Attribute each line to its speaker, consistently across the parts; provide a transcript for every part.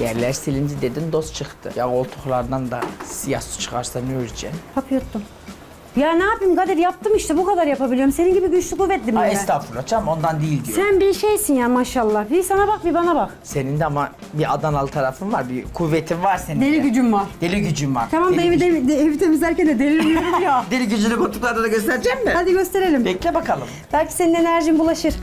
Speaker 1: Yerler silindi dedin, doz çıktı. Ya koltuklardan da siyah su çıkarsa ne öreceksin?
Speaker 2: Hap yuttum. Ya ne yapayım Kadir, yaptım işte, bu kadar yapabiliyorum. Senin gibi güçlü kuvvetli miyim ben?
Speaker 1: Estağfurullah canım, ondan değil diyor.
Speaker 2: Sen bir şeysin ya maşallah. Bir sana bak, bir bana bak.
Speaker 1: Senin de ama bir Adanalı tarafın var, bir kuvvetin var senin de.
Speaker 2: Deli gücüm var.
Speaker 1: Deli gücün var.
Speaker 2: Tamam da evi temizlerken de deliriyorum ya.
Speaker 1: Deli gücünü koltuklarda da göstereceğim mi?
Speaker 2: Hadi gösterelim.
Speaker 1: Bekle bakalım.
Speaker 2: Belki senin enerjin bulaşır.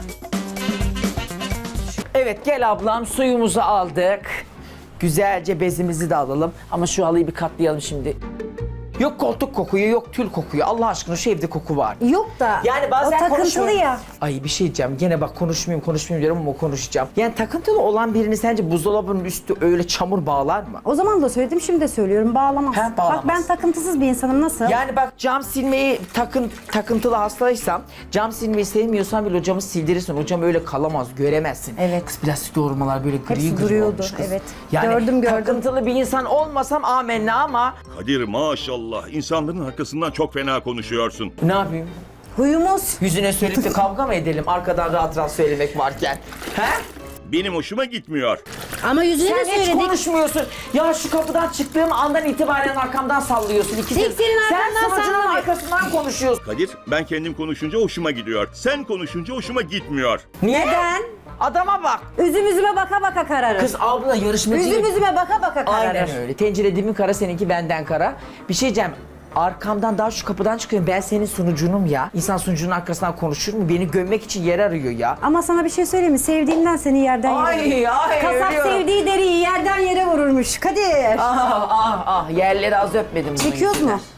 Speaker 1: Evet gel ablam, suyumuzu aldık. Güzelce bezimizi de alalım. Ama şu halıyı bir katlayalım şimdi. Yok koltuk kokuyor, yok tül kokuyor. Allah aşkına şu evde koku var.
Speaker 2: Yok da
Speaker 1: Yani bazen
Speaker 2: o takıntılı
Speaker 1: konuşmuyorum.
Speaker 2: ya.
Speaker 1: Ay bir şey diyeceğim. Gene bak konuşmayayım diyorum ama konuşacağım. Yani takıntılı olan birini sence buzdolabının üstü öyle çamur bağlar mı?
Speaker 2: O zaman da söyledim, şimdi de söylüyorum, bağlamaz.
Speaker 1: He, bağlamaz.
Speaker 2: Bak ben takıntısız bir insanım, nasıl?
Speaker 1: Yani bak cam silmeyi takıntılı hastaysam, cam silmeyi sevmiyorsan bile o camı sildirirsin. O cam öyle kalamaz, göremezsin.
Speaker 2: Evet.
Speaker 1: Kız plastik doğurmalar böyle gri
Speaker 2: Hepsi
Speaker 1: gri
Speaker 2: duruyordu,
Speaker 1: olmuş kız.
Speaker 2: evet.
Speaker 1: Yani
Speaker 2: Gördüm.
Speaker 1: takıntılı bir insan olmasam amenna ama
Speaker 3: Kadir maşallah insanların arkasından çok fena konuşuyorsun.
Speaker 1: ne yapayım?
Speaker 2: Huyumuz.
Speaker 1: Yüzüne söyleyip de kavga mı edelim arkadan rahat rahat söylemek varken? He?
Speaker 3: Benim hoşuma gitmiyor.
Speaker 2: Ama yüzüne de
Speaker 1: Sen hiç
Speaker 2: söyledik.
Speaker 1: konuşmuyorsun. Ya şu kapıdan çıktığım andan itibaren arkamdan sallıyorsun. İki
Speaker 2: Tek senin arkandan
Speaker 1: Sen sunucunun
Speaker 2: sallamak.
Speaker 1: arkasından konuşuyorsun.
Speaker 3: Kadir ben kendim konuşunca hoşuma gidiyor. Sen konuşunca hoşuma gitmiyor.
Speaker 1: Niye?
Speaker 2: Neden?
Speaker 1: Adama bak.
Speaker 2: Üzüme baka baka kararır.
Speaker 1: Kız abla yarışmacı.
Speaker 2: Üzüme baka baka kararır.
Speaker 1: Aynen öyle. Tencere dibin kara, seninki benden kara. Bir şey diyeceğim. Arkamdan daha şu kapıdan çıkıyorum. Ben senin sunucunum ya. İnsan sunucunun arkasından konuşur mu? Beni gömmek için yer arıyor ya.
Speaker 2: Ama sana bir şey söyleyeyim mi? Sevdiğinden seni yerden yere
Speaker 1: Ay
Speaker 2: Kasap
Speaker 1: ölüyorum.
Speaker 2: sevdiği deriyi yerden yere vururmuş. Kadir.
Speaker 1: Ah yerleri az öpmedim. bunun
Speaker 2: Çekiyoruz
Speaker 1: yüzünden.
Speaker 2: mu?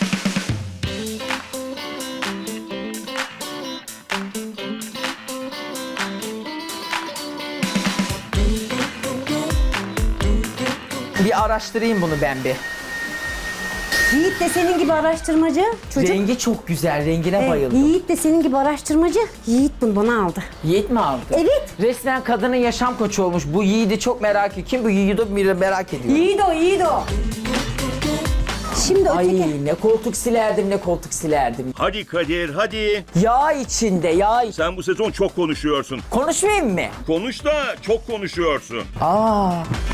Speaker 1: Bir araştırayım bunu ben bir.
Speaker 2: Yiğit de senin gibi araştırmacı. Çocuk.
Speaker 1: Rengi çok güzel. Rengine
Speaker 2: Evet,
Speaker 1: bayıldım.
Speaker 2: Yiğit de senin gibi araştırmacı. Yiğit bunu bana aldı.
Speaker 1: Yiğit mi aldı?
Speaker 2: Evet.
Speaker 1: Resmen kadının yaşam koçu olmuş. Bu Yiğit'i çok merak ediyor. Kim bu Yiğit'i merak ediyor.
Speaker 2: Yiğit o. Şimdi
Speaker 1: Ay
Speaker 2: öteki.
Speaker 1: ne koltuk silerdim, ne koltuk silerdim.
Speaker 3: Hadi Kadir hadi.
Speaker 1: Yağ içinde, yağ
Speaker 3: Sen bu sezon çok konuşuyorsun.
Speaker 1: Konuşmayayım mı?
Speaker 3: Konuş da çok konuşuyorsun.
Speaker 1: Aa.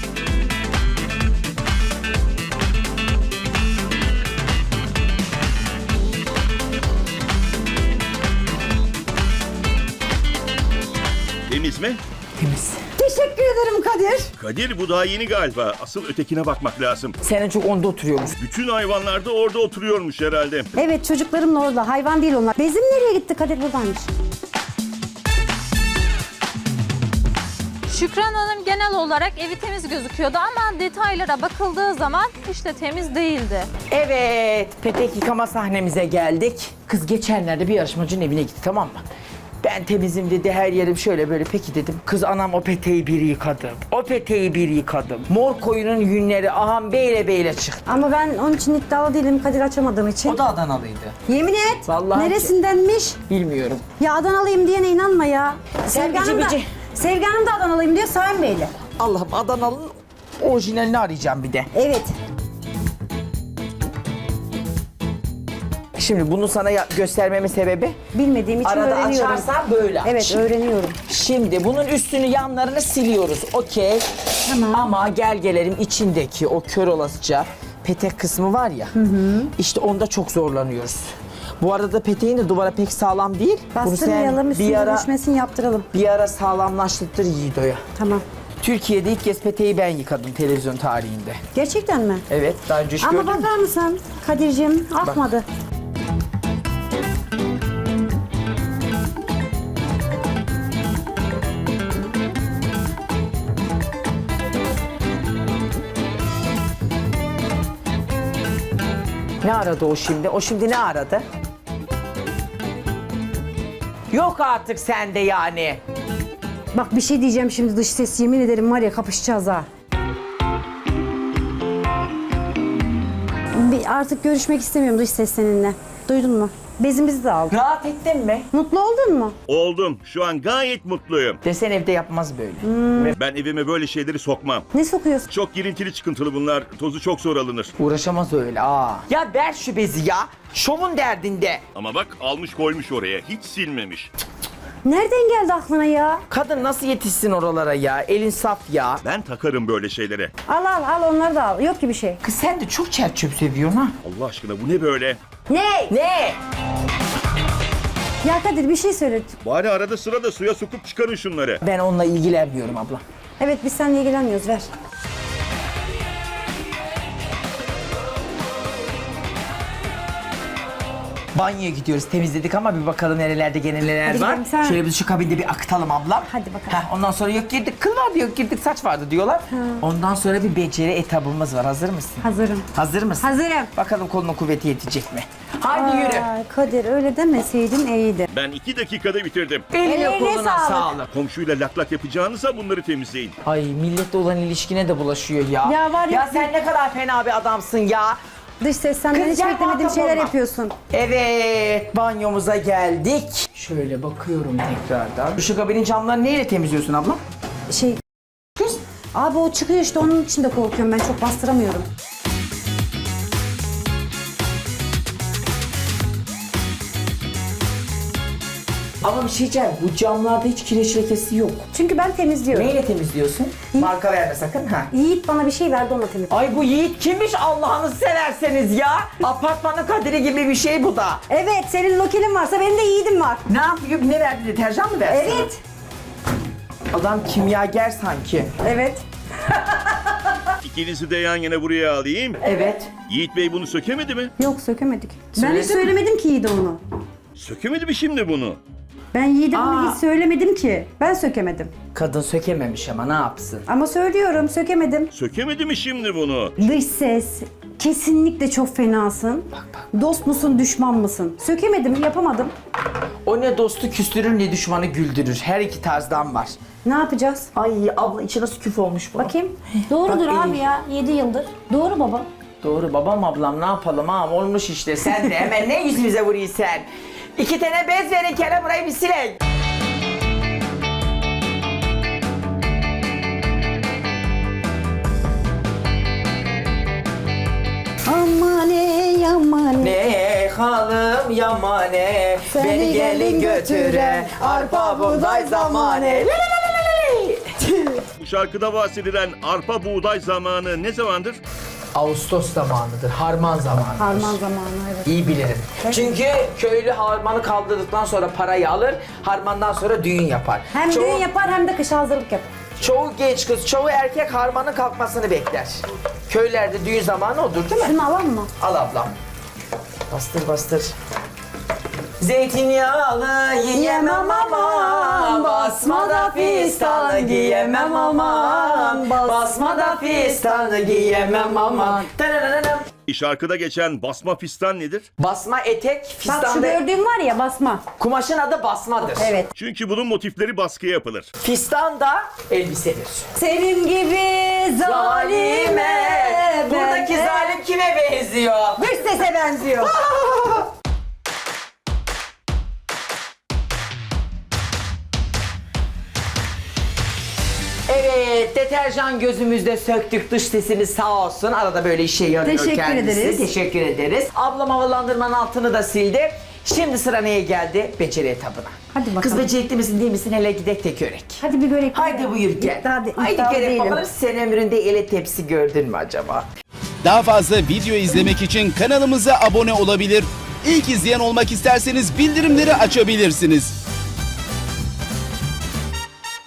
Speaker 3: Temiz mi?
Speaker 1: Temiz.
Speaker 2: Teşekkür ederim Kadir.
Speaker 3: Kadir bu daha yeni galiba. Asıl ötekine bakmak lazım.
Speaker 1: Sen en çok onda oturuyormuş.
Speaker 3: Bütün hayvanlar da orada oturuyormuş herhalde.
Speaker 2: Evet, çocuklarımla orada. Hayvan değil onlar. Bezim nereye gitti? Kadir buradaymış.
Speaker 4: Şükran Hanım genel olarak evi temiz gözüküyordu ama detaylara bakıldığı zaman hiç de temiz değildi.
Speaker 1: Evet, petek yıkama sahnemize geldik. Kız geçenlerde bir yarışmacının evine gitti, tamam mı? Ben temizim dedi, her yerim şöyle böyle. Peki dedim. Kız anam o peteği bir yıkadım. O peteği bir yıkadım. Mor koyunun yünleri aham beyle çıktı.
Speaker 2: Ama ben onun için iddialı değilim Kadir, açamadığım için.
Speaker 1: O da Adanalıydı.
Speaker 2: Yemin et.
Speaker 1: Vallahi
Speaker 2: Neresindenmiş?
Speaker 1: Bilmiyorum.
Speaker 2: Ya Adanalıyım diyene inanma ya.
Speaker 1: Sen bici bici.
Speaker 2: Sevgi Hanım da Adanalıyım diyor, Sayın Bey'le.
Speaker 1: Allah'ım Adanalı'nın orijinalini arayacağım bir de.
Speaker 2: Evet.
Speaker 1: Şimdi bunu sana göstermemin sebebi
Speaker 2: Bilmediğim için
Speaker 1: arada
Speaker 2: öğreniyorum.
Speaker 1: açarsan böyle.
Speaker 2: Evet,
Speaker 1: Şimdi-
Speaker 2: öğreniyorum.
Speaker 1: Şimdi bunun üstünü yanlarını siliyoruz. Okey.
Speaker 2: Tamam.
Speaker 1: Ama gel gelelim içindeki o kör olasıca petek kısmı var ya. İşte onda çok zorlanıyoruz. Bu arada peteğin de duvara pek sağlam değil. Bunu
Speaker 2: Bastırmayalım,
Speaker 1: sen
Speaker 2: üstüne düşmesin, yaptıralım.
Speaker 1: bir ara sağlamlaştırdır Yiğido'ya.
Speaker 2: Tamam.
Speaker 1: Türkiye'de ilk kez peteği ben yıkadım televizyon tarihinde.
Speaker 2: Gerçekten mi?
Speaker 1: Evet, daha önce hiç
Speaker 2: Ama
Speaker 1: gördün mü?
Speaker 2: bakar mısın Kadir'cim? Akmadı.
Speaker 1: Ne aradı o şimdi? O şimdi ne aradı? Yok artık sende yani.
Speaker 2: Bak bir şey diyeceğim şimdi, dış ses, yemin ederim var ya, kapışacağız ha. Artık görüşmek istemiyorum dış ses seninle. Duydun mu? Bezimizi de aldık.
Speaker 1: Rahat ettin mi?
Speaker 2: Mutlu oldun mu?
Speaker 3: Oldum. Şu an gayet mutluyum.
Speaker 1: Desen evde yapmaz böyle.
Speaker 3: Ben evime böyle şeyleri sokmam.
Speaker 2: Ne sokuyorsun?
Speaker 3: Çok girintili çıkıntılı bunlar. Tozu çok zor alınır.
Speaker 1: Uğraşamaz öyle. Ya ver şu bezi ya. Şovun derdinde.
Speaker 3: Ama bak almış koymuş oraya. Hiç silmemiş.
Speaker 2: Nereden geldi aklına ya?
Speaker 1: Kadın nasıl yetişsin oralara ya? Elin saf ya.
Speaker 3: Ben takarım böyle şeylere.
Speaker 2: Al onları da al. Yok ki bir şey.
Speaker 1: Kız sen de çok çer çöp seviyorsun ha.
Speaker 3: Allah aşkına bu ne böyle?
Speaker 2: Ne?
Speaker 1: Ne?
Speaker 2: Ya Kadir bir şey söyle.
Speaker 3: Bari arada sırada suya sokup çıkarın şunları.
Speaker 1: Ben onunla ilgilenmiyorum abla.
Speaker 2: Evet biz seninle ilgilenmiyoruz ver.
Speaker 1: Banyoya gidiyoruz, temizledik ama bir bakalım nerelerde gene neler
Speaker 2: Hadi
Speaker 1: var.
Speaker 2: gidelim, sen-
Speaker 1: Şöyle biz şu kabinde bir akıtalım ablam.
Speaker 2: Hadi bakalım.
Speaker 1: Ondan sonra yok girdik kıl vardı, yok girdik saç vardı diyorlar. Ondan sonra bir beceri etabımız var. Hazır mısın?
Speaker 2: Hazırım.
Speaker 1: Hazır mısın?
Speaker 2: Hazırım.
Speaker 1: Bakalım kolunun kuvveti yetecek mi? Hadi yürü.
Speaker 2: Ay, Kadir öyle demeseydin iyiydi.
Speaker 3: Ben 2 dakikada bitirdim.
Speaker 1: Eline
Speaker 2: Ellerine
Speaker 1: koluna
Speaker 2: sağlık.
Speaker 1: sağlık.
Speaker 3: Komşuyla lak lak yapacağınıza bunları temizleyin.
Speaker 1: Ay milletle olan ilişkine de bulaşıyor ya.
Speaker 2: Ya var ya-
Speaker 1: sen ne kadar fena bir adamsın ya.
Speaker 2: Dış ses senden
Speaker 1: Kız
Speaker 2: hiç
Speaker 1: gel,
Speaker 2: beklemediğim
Speaker 1: muhatap
Speaker 2: şeyler
Speaker 1: olma.
Speaker 2: yapıyorsun.
Speaker 1: Evet, banyomuza geldik. Şöyle bakıyorum tekrardan. Şu kabinin camlarını neyle temizliyorsun abla?
Speaker 2: Şey
Speaker 1: Kız.
Speaker 2: abi o çıkıyor işte onun için de korkuyorum ben çok bastıramıyorum.
Speaker 1: Ama bir şey diyeceğim, bu camlarda hiç kireç lekesi yok.
Speaker 2: Çünkü ben temizliyorum.
Speaker 1: Neyle temizliyorsun? Marka verme sakın ha.
Speaker 2: Yiğit bana bir şey verdi onunla temizliyorum.
Speaker 1: Ay bu Yiğit kimmiş Allah'ını severseniz ya? Apartmanın kaderi gibi bir şey bu da.
Speaker 2: Evet senin lokelin varsa benim de Yiğit'im var.
Speaker 1: Ne yapıyor? Ne verdi? Deterjan mı verdi?
Speaker 2: Evet.
Speaker 1: Adam kimyager sanki.
Speaker 2: Evet.
Speaker 3: İkinizi de yan yana buraya alayım.
Speaker 1: Evet.
Speaker 3: Yiğit Bey bunu sökemedi mi?
Speaker 2: Yok sökemedik. Ben
Speaker 1: Söyledin
Speaker 2: hiç
Speaker 1: mi?
Speaker 2: söylemedim ki Yiğit'e onu.
Speaker 3: Sökemedi mi şimdi bunu?
Speaker 2: Ben Yiğit'e
Speaker 1: Aa.
Speaker 2: bunu hiç söylemedim ki. Ben sökemedim.
Speaker 1: Kadın sökememiş ama ne yapsın?
Speaker 2: Ama söylüyorum sökemedim.
Speaker 3: Sökemedi mi şimdi bunu?
Speaker 2: Dış ses. Kesinlikle çok fenasın. Dost musun düşman mısın? Sökemedim yapamadım.
Speaker 1: O ne dostu küstürür ne düşmanı güldürür. Her iki tarzdan var.
Speaker 2: Ne yapacağız?
Speaker 1: Ay abla içi nasıl küf olmuş bu?
Speaker 2: Bakayım. Doğrudur
Speaker 1: Bak,
Speaker 2: abi
Speaker 1: iyi.
Speaker 2: ya 7 yıldır. Doğru baba.
Speaker 1: Doğru babam ablam ne yapalım ha olmuş işte sen de hemen ne yüzümüze vuruyorsun sen. 2 tane bez verin kere burayı bir silin.
Speaker 2: Amane amane.
Speaker 1: Ne halım yamane
Speaker 2: Seni
Speaker 1: beni gelin
Speaker 2: gelin
Speaker 1: götüre
Speaker 2: götüre,
Speaker 1: arpa buğday zamane.
Speaker 3: Bu şarkıda bahsedilen arpa buğday zamanı ne zamandır?
Speaker 1: Ağustos zamanıdır, harman zamanıdır.
Speaker 2: Harman zamanı evet.
Speaker 1: İyi bilirim. Çünkü köylü harmanı kaldırdıktan sonra parayı alır, harmandan sonra düğün yapar.
Speaker 2: Hem
Speaker 1: Çoğu-
Speaker 2: düğün yapar hem de kışa hazırlık yapar.
Speaker 1: Çoğu genç kız, çoğu erkek harmanın kalkmasını bekler. Köylerde düğün zamanı odur değil mi?
Speaker 2: Şunu alalım mı?
Speaker 1: Al ablam. Bastır bastır. Zeytinyağlı yiyemem aman, basma da fistanı giyemem aman, basma da fistanı giyemem aman. Tararararım.
Speaker 3: Şarkıda geçen basma fistan nedir?
Speaker 1: Basma etek,
Speaker 2: Bak şu
Speaker 1: fistan da,
Speaker 2: gördüğün var ya basma.
Speaker 1: kumaşın adı basmadır.
Speaker 2: Evet.
Speaker 3: Çünkü bunun motifleri baskıya yapılır.
Speaker 1: Fistan da elbisedir.
Speaker 2: Senin gibi zalime.
Speaker 1: Buradaki zalim kime benziyor?
Speaker 2: Dış sese benziyor.
Speaker 1: Evet, deterjan gözümüzde söktük, dış sesini sağ olsun. Arada böyle işe yarıyor
Speaker 2: Teşekkür
Speaker 1: kendisi.
Speaker 2: ederiz.
Speaker 1: Teşekkür ederiz. Ablam havalandırmanın altını da sildi. Şimdi sıra neye geldi? Beceri etabına.
Speaker 2: Hadi bakalım.
Speaker 1: Kız becerikli misin değil misin? Hele gidek de görek.
Speaker 2: Hadi bir görek.
Speaker 1: Haydi buyur gel. Haydi
Speaker 2: iddialı
Speaker 1: görek
Speaker 2: değilim.
Speaker 1: bakalım sen ömründe ele tepsi gördün mü acaba?
Speaker 5: Daha fazla video izlemek için kanalımıza abone olabilir. İlk izleyen olmak isterseniz bildirimleri açabilirsiniz.